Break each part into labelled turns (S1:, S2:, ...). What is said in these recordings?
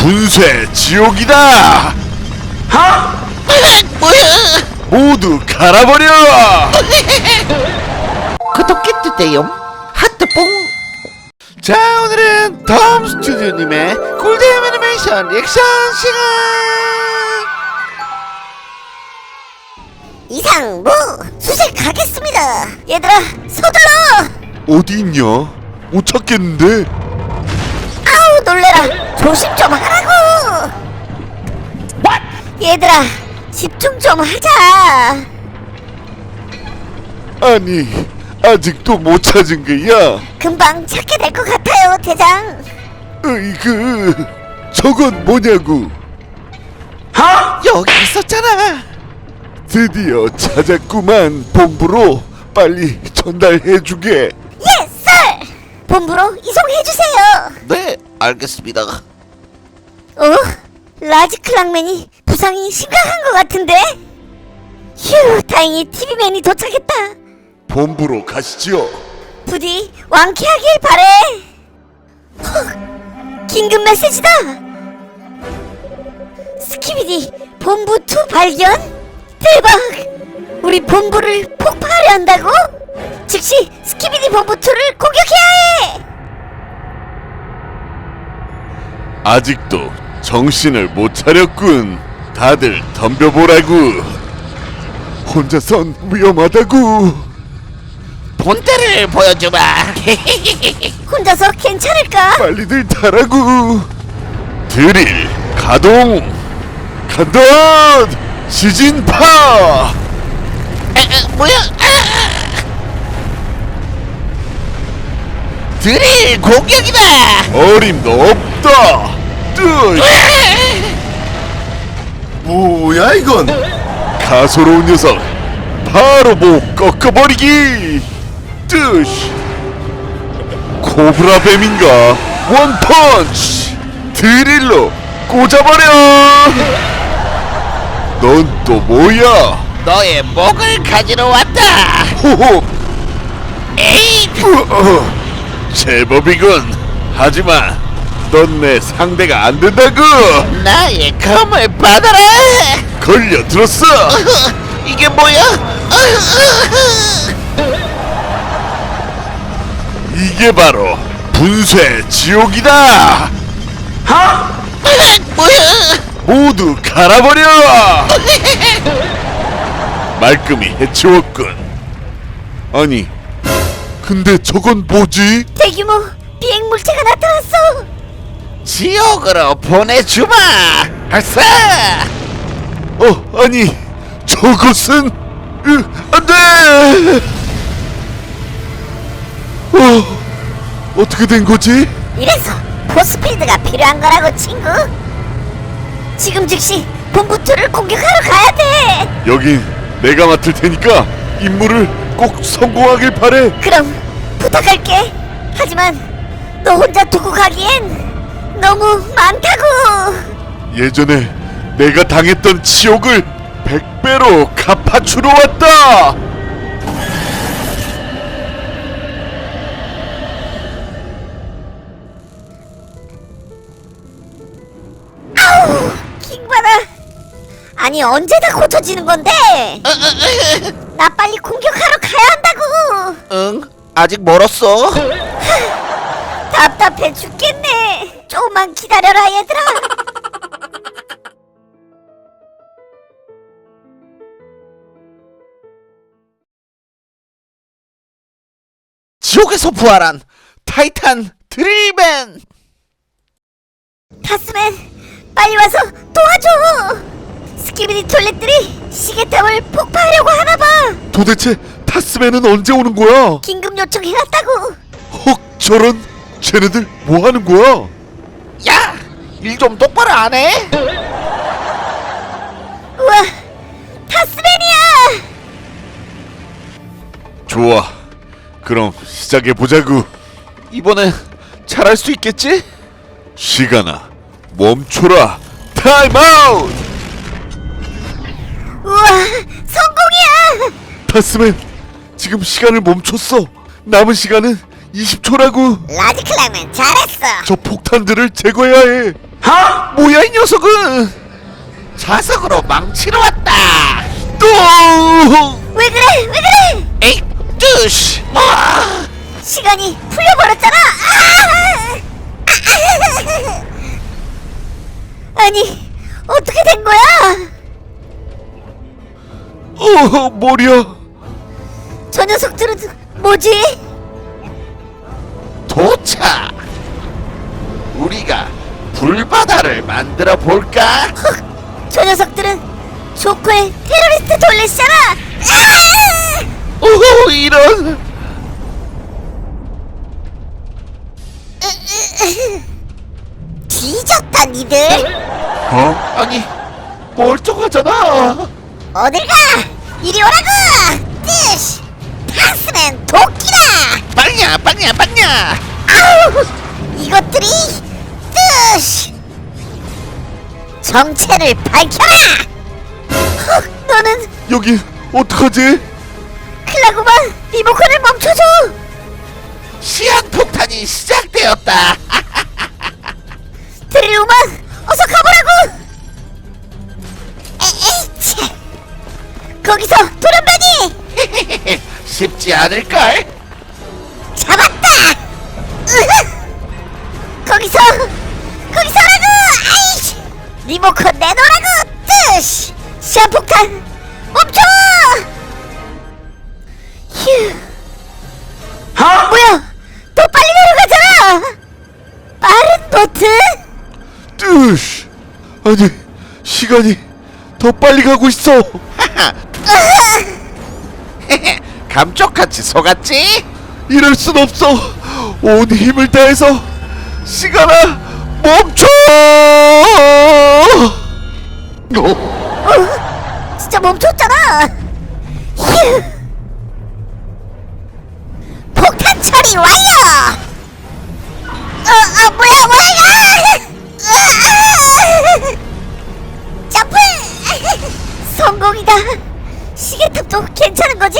S1: 분쇄 지옥이다.
S2: 뭐야?
S1: 모두 갈아버려.
S2: 구독해주세요. 하트뽕.
S1: 자, 오늘은 덤 스튜디오님의 꿀잼 애니메이션 리액션 시간.
S3: 이상무 수색하겠습니다. 얘들아 서둘러.
S1: 어디 있냐? 못 찾겠는데.
S3: 아우 놀래라. 조심 좀 하라고. 얘들아 집중 좀 하자.
S1: 아니, 아직도 못 찾은 거야?
S3: 금방 찾게 될 것 같아요 대장.
S1: 으이그, 저건 뭐냐고.
S2: 여기 있었잖아.
S1: 드디어 찾았구만. 본부로 빨리 전달해주게.
S3: 예, 쌀. 본부로 이송해주세요.
S2: 네, 알겠습니다.
S3: 라지 클랑맨이 부상이 심각한 것 같은데? 휴, 다행히 TV맨이 도착했다.
S1: 본부로 가시지요.
S3: 부디 완쾌하길 바래. 헉, 긴급 메시지다. 스키비디 본부 2 발견? 대박! 우리 본부를 폭파하려 한다고? 즉시 스키비디 본부 2를 공격해야 해!
S1: 아직도 정신을 못 차렸군. 다들 덤벼보라고. 혼자선 위험하다고.
S2: 본때를 보여주마.
S3: 혼자서 괜찮을까?
S1: 빨리들 타라고. 드릴 가동. 간다. 시진파.
S2: 뭐야? 드릴 공격이다.
S1: 어림도 없다. 뜨. 뭐야 이건? 가소로운 녀석. 바로 목 꺾어버리기. 뜨시. 코브라 뱀인가? 원펀치. 드릴로 꽂아버려. 넌 또 뭐야?
S2: 너의 목을 가지러 왔다.
S1: 호호.
S2: 에이,
S1: 제법이군. 하지만 넌 내 상대가 안 된다고.
S2: 나의 검을 받아라.
S1: 걸려들었어.
S2: 이게 뭐야?
S1: 이게 바로 분쇄 지옥이다.
S2: 뭐야?
S1: 모두 갈아버려. 말끔히 해치웠군. 아니, 근데 저건 뭐지?
S3: 대규모 비행 물체가 나타났어.
S2: 지옥으로 보내주마. 발사.
S1: 아니, 저것은 안돼. 어떻게 된 거지?
S3: 이래서 포스피드가 필요한 거라고 친구. 지금 즉시 본부 2를 공격하러 가야 돼.
S1: 여긴 내가 맡을 테니까 임무를 꼭 성공하길 바래.
S3: 그럼 부탁할게. 하지만 너 혼자 두고 가기엔 너무 많다고.
S1: 예전에 내가 당했던 치욕을 100배로 갚아주러 왔다.
S3: 아우 킹받아. 아니 언제 다 고쳐지는 건데? 나 빨리 공격하러 가야 한다고.
S2: 응, 아직 멀었어.
S3: 답답해 죽겠네. 조금만 기다려라 얘들아.
S2: 지옥에서 부활한 타이탄 드릴맨.
S3: 타스맨 빨리 와서 도와줘. 스키비디 톨렛들이 시계탑을 폭파하려고 하나봐.
S1: 도대체 타스맨은 언제 오는 거야?
S3: 긴급 요청해놨다고.
S1: 헉, 저런. 쟤네들 뭐 하는 거야?
S2: 야, 일 좀 똑바로 안 해?
S3: 우와 타스맨이야.
S1: 좋아, 그럼 시작해보자구.
S2: 이번엔 잘할 수 있겠지?
S1: 시간아, 멈춰라. 타임아웃.
S3: 우와 성공이야.
S1: 타스맨, 지금 시간을 멈췄어. 남은 시간은 20초라고.
S3: 라지 클랑맨 잘했어.
S1: 저 폭탄들을 제거해야 해.
S2: 뭐야 이 녀석은? 자석으로 망치러 왔다. 또!
S3: 왜 그래? 왜 그래?
S2: 에이, 뜨시!
S3: 시간이 풀려버렸잖아. 아니, 어떻게 된 거야?
S1: 머리야.
S3: 저 녀석들은 뭐지?
S2: 도착! 우리가 불바다를 만들어 볼까?
S3: 저 녀석들은 조커의 테러리스트 돌렛이잖아.
S2: 오호, 이런!
S3: 뒤졌다 니들.
S2: 아니, 멀쩡하잖아.
S3: 어딜 가? 이리 오라고. 뜨시. 타스맨 도끼다.
S2: 빵야, 빵야, 빵야!
S3: 아우, 이것들이 뜨시. 정체를 밝혀라. 너는
S1: 여기 어떡하지?
S3: 클라구만 리모컨을 멈춰줘.
S2: 시한폭탄이 시작되었다.
S3: 드릴로만 어서 가보라고. 에이치. 거기서 도련변이
S2: 쉽지 않을걸?
S3: 잡았다. 거기서라고. 아이씨. 리모컨 내놓으라고. 뜨시. 시한폭탄 멈춰. 휴. 뭐야? 더 빨리 내려가잖아. 빠른 보트?
S1: 뜨시. 아니, 시간이 더 빨리 가고 있어.
S2: 감쪽같이 속았지?
S1: 이럴 순 없어. 온 힘을 다해서 시간아 멈춰.
S3: 진짜 멈췄잖아. 휴. 폭탄 처리 완료. 뭐야 이거. 점프. 성공이다. 시계탑도 괜찮은 거지?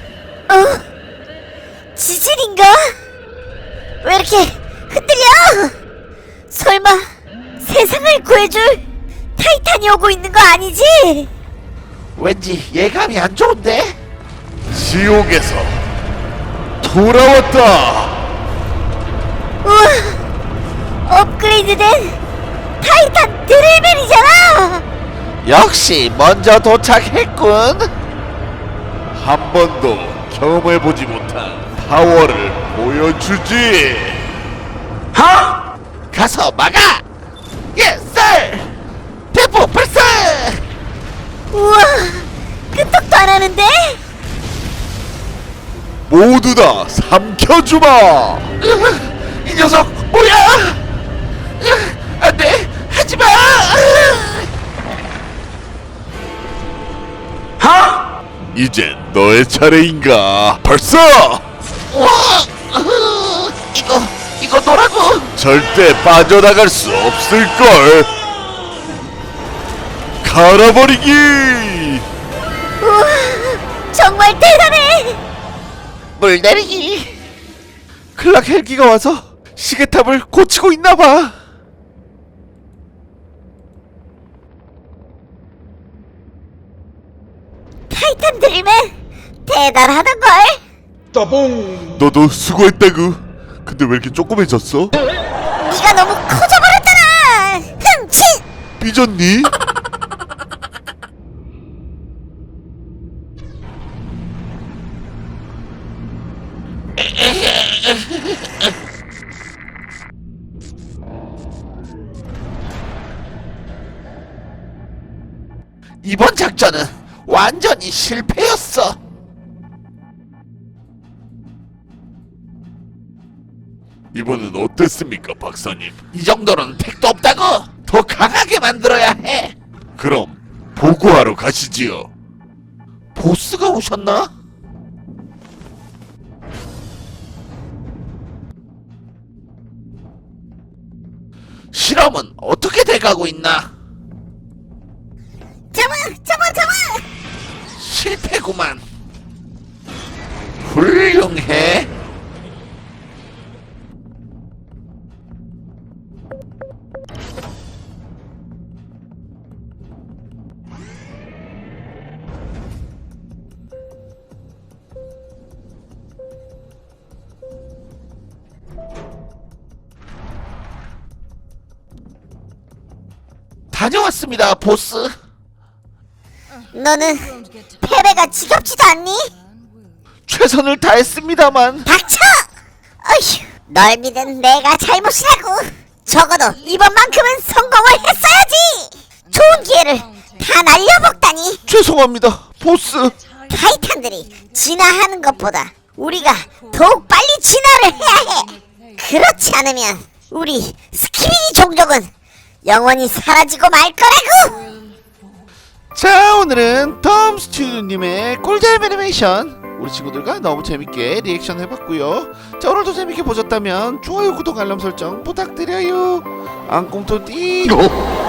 S3: 지진인가? 왜 이렇게 흔들려? 설마 세상을 구해줄 타이탄이 오고 있는 거 아니지?
S2: 왠지 예감이 안 좋은데?
S1: 지옥에서 돌아왔다.
S3: 우와, 업그레이드된 타이탄 드릴벨이잖아.
S2: 역시 먼저 도착했군.
S1: 한 번도 경험해보지 못한 파워를 보여주지.
S2: 가서 막아! 예, 쌀! 대포 발사!
S3: 우와, 끄떡도 안 하는데?
S1: 모두 다 삼켜주마.
S2: 이 녀석 뭐야? 안돼, 하지마!
S1: 이제 너의 차례인가. 발사.
S2: 와, 이거 너라고?
S1: 절대 빠져나갈 수 없을걸. 갈아버리기.
S3: 우와, 정말 대단해.
S2: 물 내리기. 클락 헬기가 와서 시계탑을 고치고 있나봐.
S3: 타이탄 드릴벨 대단하던걸.
S1: 너도 수고했다구. 근데 왜 이렇게 조그매졌어?
S3: 네가 너무 커져버렸잖아. 흥치.
S1: 삐졌니?
S2: 이번 작전은 완전히 실패였어.
S1: 이번엔 어땠습니까, 박사님?
S2: 이 정도는 택도 없다고. 더 강하게 만들어야 해.
S1: 그럼 보고하러 가시지요.
S2: 보스가 오셨나? 실험은 어떻게 돼가고 있나?
S3: 잡아.
S2: 실패구만. 훌륭해. 다녀왔습니다, 보스.
S3: 너는 패배가 지겹지도 않니?
S2: 최선을 다했습니다만.
S3: 닥쳐! 어휴, 널 믿은 내가 잘못이라고. 적어도 이번만큼은 성공을 했어야지. 좋은 기회를 다 날려먹다니.
S2: 죄송합니다, 보스.
S3: 타이탄들이 진화하는 것보다 우리가 더욱 빨리 진화를 해야 해. 그렇지 않으면 우리 스키비디 종족은 영원히 사라지고 말 거라고.
S2: 자, 오늘은 톰 스튜디오님의 꿀잼 애니메이션 우리 친구들과 너무 재밌게 리액션 해봤고요. 자, 오늘도 재밌게 보셨다면 좋아요, 구독, 알람 설정 부탁드려요. 앙꽁토 띠.